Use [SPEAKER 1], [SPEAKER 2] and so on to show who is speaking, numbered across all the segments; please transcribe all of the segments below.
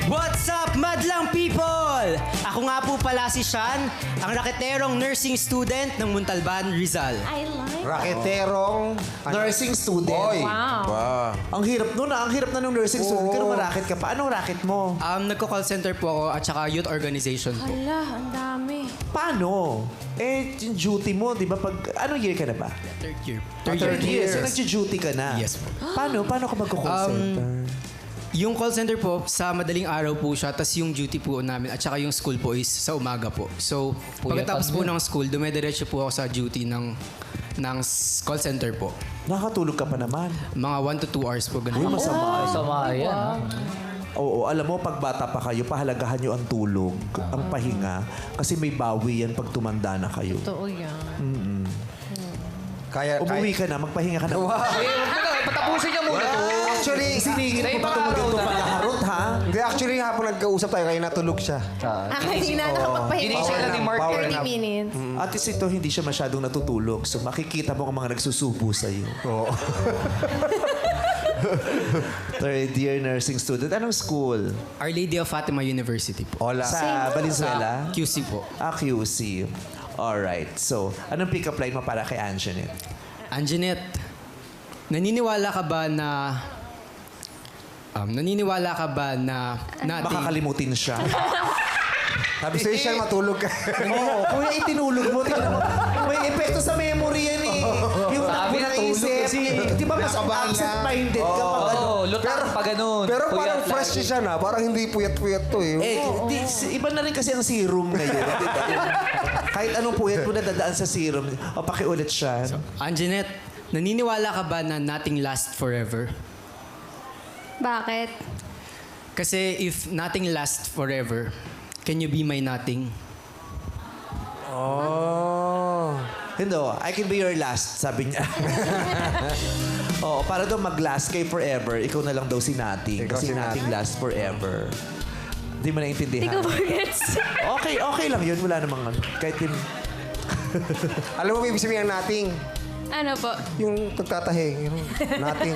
[SPEAKER 1] What's up, madlang people? Ako nga po pala si Sean, ang raketerong nursing student ng Montalban, Rizal.
[SPEAKER 2] I like.
[SPEAKER 3] Raketerong
[SPEAKER 4] Nursing student.
[SPEAKER 3] Boy.
[SPEAKER 2] Wow.
[SPEAKER 4] Ang hirap nun ang hirap na ng nursing student. Pero marakit ka pa. Anong racket mo?
[SPEAKER 1] Nagko-call center po ako at saka youth organization po.
[SPEAKER 2] Hala, ang dami.
[SPEAKER 4] Paano? Yung duty mo, di ba? Anong year ka na ba?
[SPEAKER 1] Third year.
[SPEAKER 4] Third year. So, nag-duty ka na?
[SPEAKER 1] Yes po.
[SPEAKER 4] Paano? Paano ka magko-call center?
[SPEAKER 1] Yung call center po, sa madaling araw po siya, tas yung duty po namin at saka yung school po is sa umaga po. So, pagkatapos po ng school, dumediretso po ako sa duty ng call center po.
[SPEAKER 4] Nakakatulog ka pa naman.
[SPEAKER 1] Mga 1 to 2 hours po,
[SPEAKER 4] Uy,
[SPEAKER 1] ganun.
[SPEAKER 4] masama.
[SPEAKER 5] Sama yan.
[SPEAKER 4] Oo, alam mo, pag bata pa kayo, pahalagahan nyo ang tulog, ang pahinga. Kasi may bawi yan pag tumanda na kayo.
[SPEAKER 2] Totoo yan.
[SPEAKER 3] Kaya,
[SPEAKER 4] Umuwi ka na, magpahinga ka na.
[SPEAKER 5] Patapusin niya muna to.
[SPEAKER 3] Actually,
[SPEAKER 4] Siningin
[SPEAKER 5] Sa
[SPEAKER 4] ko pa
[SPEAKER 5] ibang
[SPEAKER 4] ito
[SPEAKER 5] araw
[SPEAKER 4] magandang
[SPEAKER 5] na.
[SPEAKER 4] pagkaharot, ha?
[SPEAKER 3] hindi, actually, hapon nagkausap tayo kaya natulog siya.
[SPEAKER 2] Hindi na nakapagpahinga.
[SPEAKER 5] Ginising lang ni Mark.
[SPEAKER 3] Power
[SPEAKER 2] 30
[SPEAKER 3] nap.
[SPEAKER 2] minutes.
[SPEAKER 4] At least ito, hindi siya masyadong natutulog. So, makikita mo ang mga nagsusubo sa'yo.
[SPEAKER 3] Oo.
[SPEAKER 4] Third year nursing student. Anong school?
[SPEAKER 1] Our Lady of Fatima University po.
[SPEAKER 3] Hola.
[SPEAKER 4] Sa Valenzuela?
[SPEAKER 1] QC po.
[SPEAKER 4] QC. Alright. So, anong pick-up line mo para kay Anjanette?
[SPEAKER 1] Anjanette, naniniwala ka ba na natin...
[SPEAKER 4] Makakalimutin siya.
[SPEAKER 3] Sabi sa'yo siya, matulog ka.
[SPEAKER 4] Oo. Kung yung itinulog mo, tingnan mo. May epekto sa memory yan eh. Yung
[SPEAKER 5] Sabi
[SPEAKER 4] takbo
[SPEAKER 5] na
[SPEAKER 4] ng
[SPEAKER 5] tulog
[SPEAKER 4] isip.
[SPEAKER 5] kasi.
[SPEAKER 4] Di ba mas
[SPEAKER 3] Nakabahan lang.
[SPEAKER 4] absent-minded ka pag ano?
[SPEAKER 5] Oo, lutang pa ganun.
[SPEAKER 3] Pero parang
[SPEAKER 5] Puyat
[SPEAKER 3] fresh
[SPEAKER 5] lagi.
[SPEAKER 3] siya na. Parang hindi puyat-puyat to eh.
[SPEAKER 4] Iba na rin kasi ang serum ngayon. Di ba? Kahit anong puyat mo na dadaan sa serum. O, pakiulit siya.
[SPEAKER 1] Anjanette, naniniwala ka ba na nothing lasts forever?
[SPEAKER 2] Bakit?
[SPEAKER 1] Kasi if nothing lasts forever, can you be my nothing?
[SPEAKER 3] Oh.
[SPEAKER 4] Hindi, I can be your last, sabi niya. Oo, para daw mag-last kay forever, ikaw na lang daw si Nating.
[SPEAKER 3] Ikaw
[SPEAKER 4] Kasi
[SPEAKER 3] si
[SPEAKER 4] Nating
[SPEAKER 3] Nating.
[SPEAKER 4] last forever. Hindi mo naintindihan.
[SPEAKER 2] Hindi ko forgets.
[SPEAKER 4] Okay lang yun. Wala namang ano. Kahit din...
[SPEAKER 3] Alam mo, may ibig sabihin ng nating.
[SPEAKER 2] Ano po?
[SPEAKER 3] Yung pagtatahi. Yung nating.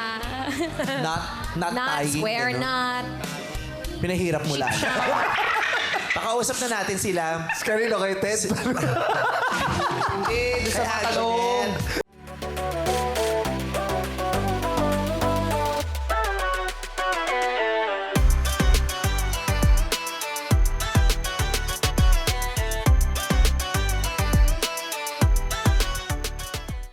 [SPEAKER 4] Not
[SPEAKER 2] Not
[SPEAKER 4] tying.
[SPEAKER 2] swear
[SPEAKER 4] ano.
[SPEAKER 2] not.
[SPEAKER 4] Pinahirap mo lang. Pakausap na natin sila.
[SPEAKER 3] Kanino kay Ted?
[SPEAKER 5] Hindi, doon sa
[SPEAKER 4] Kay
[SPEAKER 5] matalong.
[SPEAKER 4] Anjanette.